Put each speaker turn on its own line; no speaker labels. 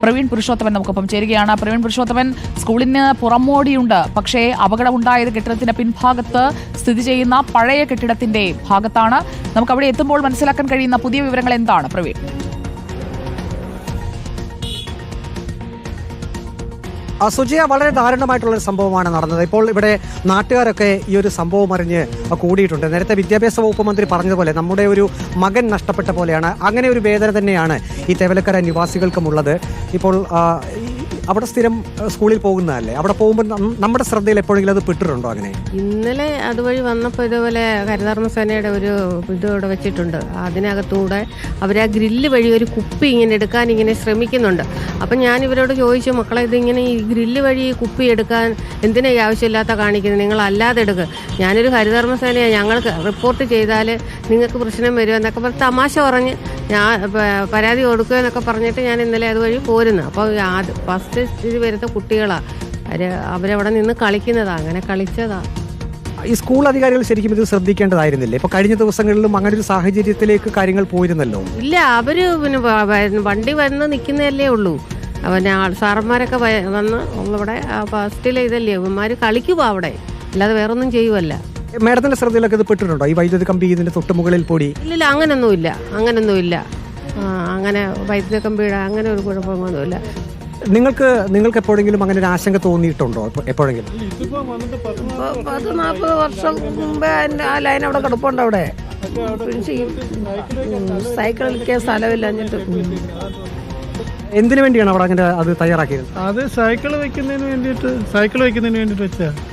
പ്രവീൺ പുരുഷോത്തമൻ നമുക്കൊപ്പം ചേരുകയാണ്. പ്രവീൺ പുരുഷോത്തമൻ, സ്കൂളിന് പുറമോടിയുണ്ട്, പക്ഷേ അപകടമുണ്ടായത് കെട്ടിടത്തിന്റെ പിൻഭാഗത്ത് സ്ഥിതി ചെയ്യുന്ന പഴയ കെട്ടിടത്തിന്റെ ഭാഗത്താണ്. നമുക്ക് അവിടെ എത്തുമ്പോൾ മനസ്സിലാക്കാൻ കഴിയുന്ന പുതിയ വിവരങ്ങൾ എന്താണ് പ്രവീൺ?
സുജയ, വളരെ ദാരുണമായിട്ടുള്ളൊരു സംഭവമാണ് നടന്നത്. ഇപ്പോൾ ഇവിടെ നാട്ടുകാരൊക്കെ ഈ ഒരു സംഭവം അറിഞ്ഞ് കൂടിയിട്ടുണ്ട്. നേരത്തെ വിദ്യാഭ്യാസ വകുപ്പ് മന്ത്രി പറഞ്ഞതുപോലെ നമ്മുടെ ഒരു മകൻ നഷ്ടപ്പെട്ട പോലെയാണ്. അങ്ങനെ ഒരു വേദന തന്നെയാണ് ഈ തേവലക്കര നിവാസികൾക്കുമുള്ളത്. ഇപ്പോൾ അവിടെ സ്ഥിരം സ്കൂളിൽ പോകുന്നതല്ലേ, അവിടെ പോകുമ്പോൾ നമ്മുടെ ശ്രദ്ധയിൽ എപ്പോഴെങ്കിലും അത് പെട്ടിട്ടുണ്ടോ? അങ്ങനെ
ഇന്നലെ അതുവഴി വന്നപ്പോൾ ഇതുപോലെ ഹരിതകർമ്മസേനയുടെ ഒരു ഇത് ഇവിടെ വെച്ചിട്ടുണ്ട്. അതിനകത്തൂടെ അവർ ആ ഗ്രില്ല് വഴി ഒരു കുപ്പി ഇങ്ങനെ എടുക്കാൻ ഇങ്ങനെ ശ്രമിക്കുന്നുണ്ട്. അപ്പം ഞാൻ ഇവരോട് ചോദിച്ചു, മക്കളെ ഇതിങ്ങനെ ഈ ഗ്രില്ല് വഴി ഈ കുപ്പി എടുക്കാൻ എന്തിനാ ഈ ആവശ്യമില്ലാത്ത കാണിക്കുന്നത്, നിങ്ങൾ അല്ലാതെ എടുക്കുക, ഞാനൊരു ഹരിതകർമ്മസേനയാണ്, ഞങ്ങൾക്ക് റിപ്പോർട്ട് ചെയ്താൽ നിങ്ങൾക്ക് പ്രശ്നം വരുമോ എന്നൊക്കെ പറഞ്ഞ് തമാശ പറഞ്ഞ് ഞാൻ പരാതി കൊടുക്കുക എന്നൊക്കെ പറഞ്ഞിട്ട് ഞാൻ ഇന്നലെ അതുവഴി പോരുന്നു. അപ്പോൾ ഫസ്റ്റ് ഇത് വരുന്ന കുട്ടികളാണ്, അവരവിടെ നിന്ന് കളിക്കുന്നതാ, അങ്ങനെ കളിച്ചതാ.
ഈ സ്കൂൾ അധികാരികൾ ശരിക്കും ഇത് ശ്രദ്ധിക്കേണ്ടതായിരുന്നില്ലേ? ഇപ്പൊ കഴിഞ്ഞ ദിവസങ്ങളിലും അങ്ങനെ ഒരു സാഹചര്യത്തിലേക്ക് കാര്യങ്ങൾ പോയിരുന്നല്ലോ.
ഇല്ല, അവര് പിന്നെ വണ്ടി വന്ന് നിൽക്കുന്നതല്ലേ ഉള്ളൂ. പിന്നെ സാറന്മാരൊക്കെ വന്ന് ഇവിടെ ഫസ്റ്റിലെ ഇതല്ലേ, ഇവന്മാർ കളിക്കുവാ അവിടെ, അല്ലാതെ വേറൊന്നും ചെയ്യുമല്ല.
മേഡത്തിന്റെ ശ്രദ്ധയിലൊക്കെ ഇത് പെട്ടിട്ടുണ്ടോ? ഈ വൈദ്യുതി കമ്പി ഇതിന്റെ തൊട്ട് മുകളിൽ പൊടി?
ഇല്ല, അങ്ങനൊന്നുമില്ല. അങ്ങനെ വൈദ്യുതി കമ്പിയുടെ അങ്ങനെ ഒരു കുഴപ്പമൊന്നുമില്ല.
നിങ്ങൾക്ക് എപ്പോഴെങ്കിലും അങ്ങനെ ഒരു ആശങ്ക തോന്നിയിട്ടുണ്ടോ? എപ്പോഴെങ്കിലും
40 വർഷം മുമ്പേ ആ ലൈൻ അവിടെ കിടപ്പുണ്ട്. അവിടെ സൈക്കിളിൽ സ്ഥലമില്ല.
എന്തിനു വേണ്ടിയാണ് അവിടെ അങ്ങനെ അത് തയ്യാറാക്കിയത്?
അത് സൈക്കിൾ വെക്കുന്നതിന് വേണ്ടിയിട്ട് വെച്ചാ